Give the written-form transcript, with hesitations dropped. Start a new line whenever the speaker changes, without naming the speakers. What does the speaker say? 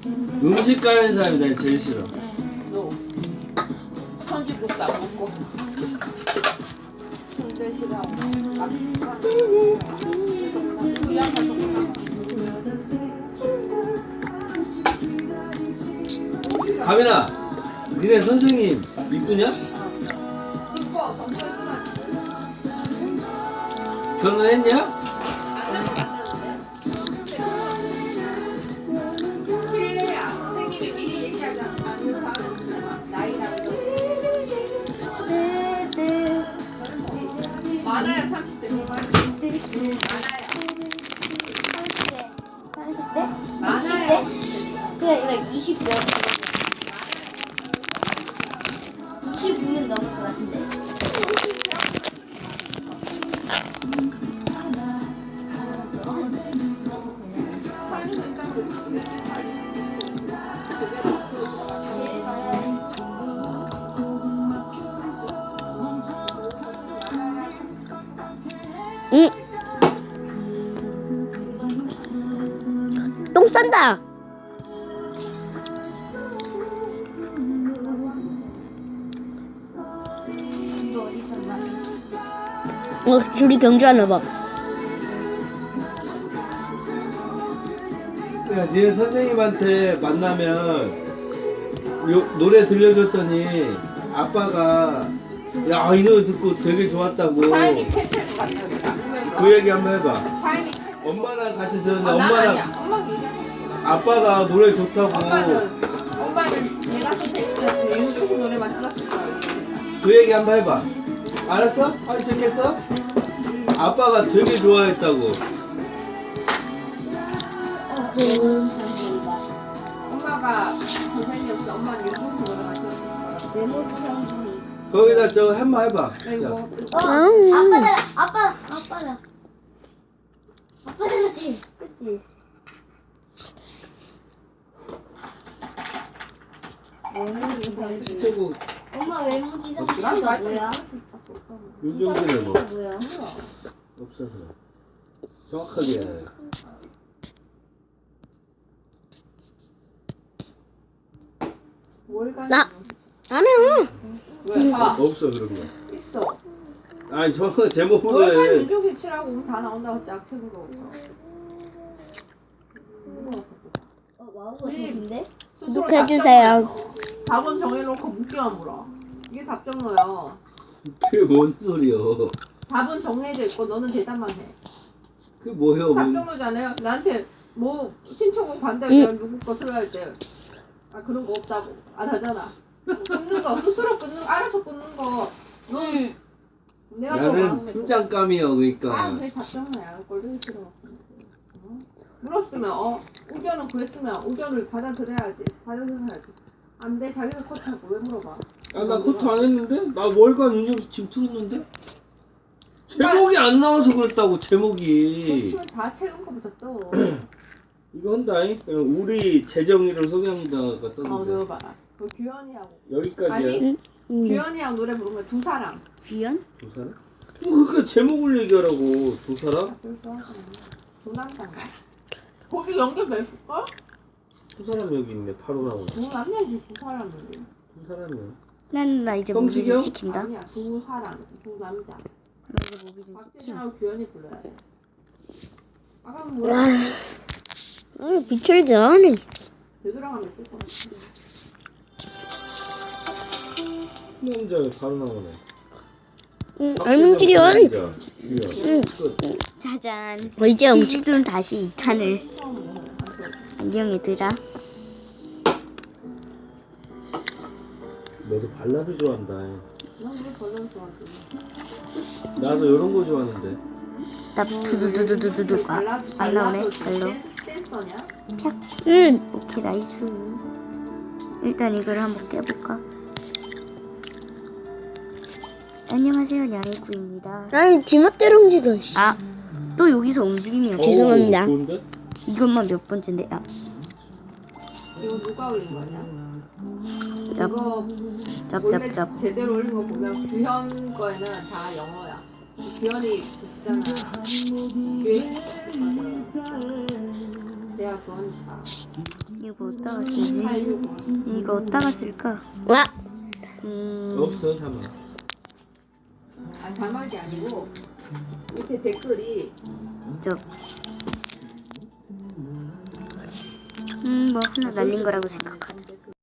음식 가는 사람이 난 제일 싫어.
너 선지국도 안 먹고 손질 싫어하고
가민아, 니네 선생님 이쁘냐? 결혼했냐?
실례야. 선생님이 미리 얘기하지 않는 나이랑 많아요. 30대 많아요.
30대?
많아요.
20대? 그냥 20대. 25는 넘을 것 같은데.
응. 똥 싼다.
이거 어디서 나?
줄이 경주하나 봐.
야, 니네 선생님한테 만나면 노래 들려줬더니 아빠가 야, 이 노래 듣고 되게 좋았다고.
샤이니 캔틀 같은
그 얘기 한번 해봐.
샤이니
엄마랑 같이 들었는데
난
엄마랑
아니야. 엄마는 얘기하고
아빠가 노래 좋다고.
엄마는 내가 선택했으면 윤종신 노래만 틀었을 거야.
그 얘기 한번 해봐. 알았어? 하기 시작했어? 아빠가 되게 좋아했다고.
엄마가 선생님이 없어. 엄마는 윤종신 노래만 틀었을 거야.
메모지 상품이.
거기다 저거 한번 해봐.
그리고
아빠다. 아빠다. 아빠다지. 그치? 메모지 상품.
최고
엄마 메모지 상품이
난
뭐야?
윤종신은 뭐
뭐야?
없어서 정확하게 해야 돼.
뭘 가지고
나 안 해요.
왜? 봐.
없어 그런 거.
있어.
아니 정확한 제목으로
월간
해.
윤종신 치라고 우리 다 나온다고 짝책으로.
와우가 좋은데?
구독해주세요.
답은 정해놓고 묻기만 물어. 이게 답정로야.
그게 뭔 소리여?
답은 정해져 있고 너는 대답만 해.
그게 뭐예요?
답정로잖아요. 나한테 뭐 신청곡 반대하면 누구 거 틀어야 할 때. 아 그런 거 없다고. 안 하잖아. 끊는 거 스스로 끊는 알아서 끊는 거. 넌 내가 더
나는
많은 거.
팀장감이여
아
그러니까.
그게 답정로야. 꼴보기 싫어. 어? 물었으면 의견은 구했으면 의견을 받아들여야지. 받아들여야지. 안 돼. 자기가 컷하고 왜 물어봐?
나 그것도 안 했는데? 나 월간 윤종신 지금 틀었는데? 제목이 안 나와서 그랬다고 제목이.
그렇지만 다 채운 거부터 또.
이거 한다잉? 우리 재정이를 소개합니다가 떴는데
너 봐. 그 규현이하고.
여기까지야.
아니 규현이하고 노래 부른 거 두 사람.
비연?
두 사람? 그러니까 제목을 얘기하라고. 두 사람?
두 남자인가? 거기 연결됐을걸?
두 사람 여기 있네. 바로 나오네.
두 남자지 두 사람인데.
두 사람이야.
나 이제
성시경?
모기 좀 지킨다.
아니야 두 사람 두 남자.
나 이제 모기 좀 지킨다.
박재준하고 규현이 불러야 돼. 아까
아,
뭐야?
비철지 않네.
되돌아가면 있을 것 같은데.
남자 바로 나오네.
응, 알문길이 와.
남자.
응.
끝.
짜잔. 이제 음식들은 다시 2탄을 안녕히 들어.
너도 발라드 좋아한다.
난왜 버전 좋아하지?
나도 이런 거 좋아하는데.
나 두두두두두두가 안 나오네. 별로.
댄서냐?
응. 오케이 나이스. 일단 이걸 한번 깨볼까? 안녕하세요 야외구입니다. 아니 지멋대로 움직여. 아, 또 여기서 움직이네요. 죄송합니다.
좋은데?
이것만 몇 번째인데. 아,
이거 누가 올린 거냐?
짭.
이거 원래
짭짭짭.
제대로 올린 거 보면 규현 거에는 다 영어야. 규현이 있잖아. 규현 내가 그거니까.
이거 이거 어디다가 쓰지? 이거 어디다가 쓸까?
와.
없어 자막.
아 자막이 아니고 밑에 댓글이
뭐 하나 날린 거라고 생각하자.